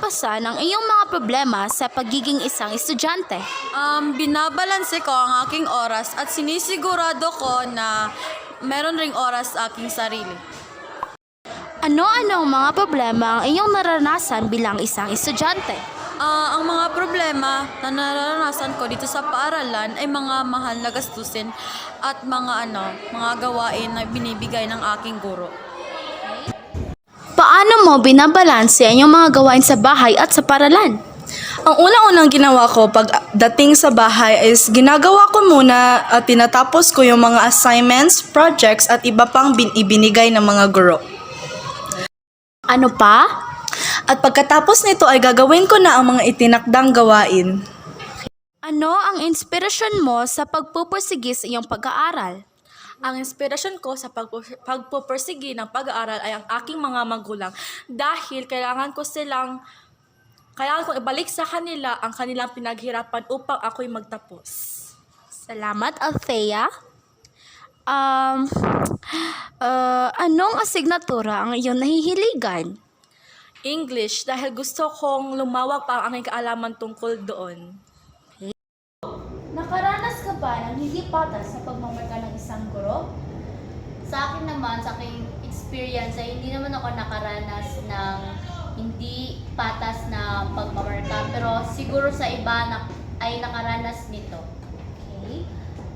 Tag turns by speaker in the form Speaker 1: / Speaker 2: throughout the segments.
Speaker 1: malalampasan ang iyong mga problema sa pagiging isang estudyante?
Speaker 2: Binabalanse ko ang aking oras at sinisigurado ko na meron ring oras sa aking sarili.
Speaker 1: Ano-ano ang mga problema ang iyong naranasan bilang isang estudyante?
Speaker 2: Ang mga problema na naranasan ko dito sa paaralan ay mga mahal na gastusin at mga gawain na binibigay ng aking guro.
Speaker 1: Paano mo binabalanse ang iyong mga gawain sa bahay at sa paaralan?
Speaker 3: Ang unang-unang ginawa ko pagdating sa bahay is ginagawa ko muna at tinatapos ko yung mga assignments, projects at iba pang ibinigay ng mga guro.
Speaker 1: Ano pa?
Speaker 3: At pagkatapos nito ay gagawin ko na ang mga itinakdang gawain.
Speaker 1: Ano ang inspirasyon mo sa pagpupursige sa iyong pag-aaral?
Speaker 4: Ang inspirasyon ko sa pagpupursige ng pag-aaral ay ang aking mga magulang dahil kailangan kong ibalik sa kanila ang kanilang pinaghirapan upang ako'y magtapos.
Speaker 1: Salamat, Althea. Anong asignatura ang iyong nahihiligan?
Speaker 4: English dahil gusto kong lumawak pa ang aking kaalaman tungkol doon.
Speaker 1: Nakaranas ka ba ng hindi patas sa pagmamarka ng isang guro?
Speaker 5: Sa akin naman, sa aking experience, ay hindi naman ako nakaranas ng hindi patas na pagmamarka. Pero siguro sa iba ay nakaranas nito.
Speaker 1: Okay.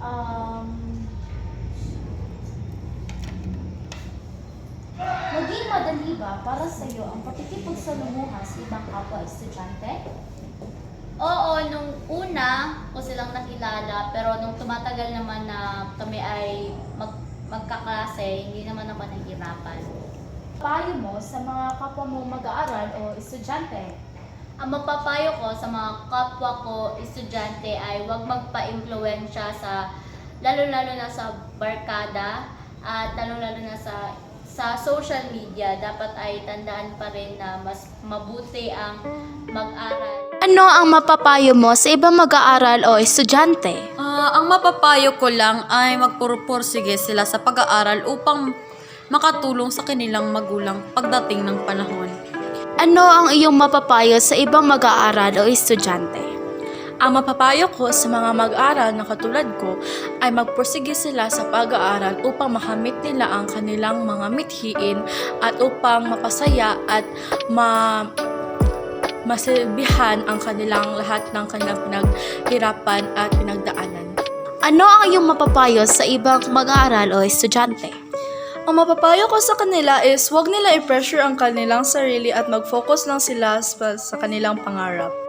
Speaker 1: Maging madali ba para sa iyo ang pakikipagsalamuha sa ibang kapwa estudyante?
Speaker 5: Oo, nung una ko silang nakilala, pero nung tumatagal naman na kami ay magkaklase, hindi naman ako nahihirapan.
Speaker 1: Payo mo sa mga kapwa mo mag-aaral o estudyante?
Speaker 5: Ang mapapayo ko sa mga kapwa ko estudyante ay huwag magpa-impluwensya lalo-lalo na sa barkada at lalo-lalo na sa social media. Dapat ay tandaan pa rin na mas mabuti ang mag-aral.
Speaker 1: Ano ang mapapayo mo sa ibang mag-aaral o estudyante?
Speaker 2: Ang mapapayo ko lang ay magpursige sila sa pag-aaral upang makatulong sa kanilang magulang pagdating ng panahon.
Speaker 1: Ano ang iyong mapapayo sa ibang mag-aaral o estudyante?
Speaker 4: Ang mapapayo ko sa mga mag-aaral na katulad ko ay magpursige sila sa pag-aaral upang makamit nila ang kanilang mga mithiin at upang mapasaya at masilbihan ang kanilang lahat ng kanilang pinaghirapan at pinagdaanan.
Speaker 1: Ano ang iyong mapapayo sa ibang mag-aaral o estudyante?
Speaker 3: Ang mapapayo ko sa kanila is huwag nila i-pressure ang kanilang sarili at mag-focus lang sila sa kanilang pangarap.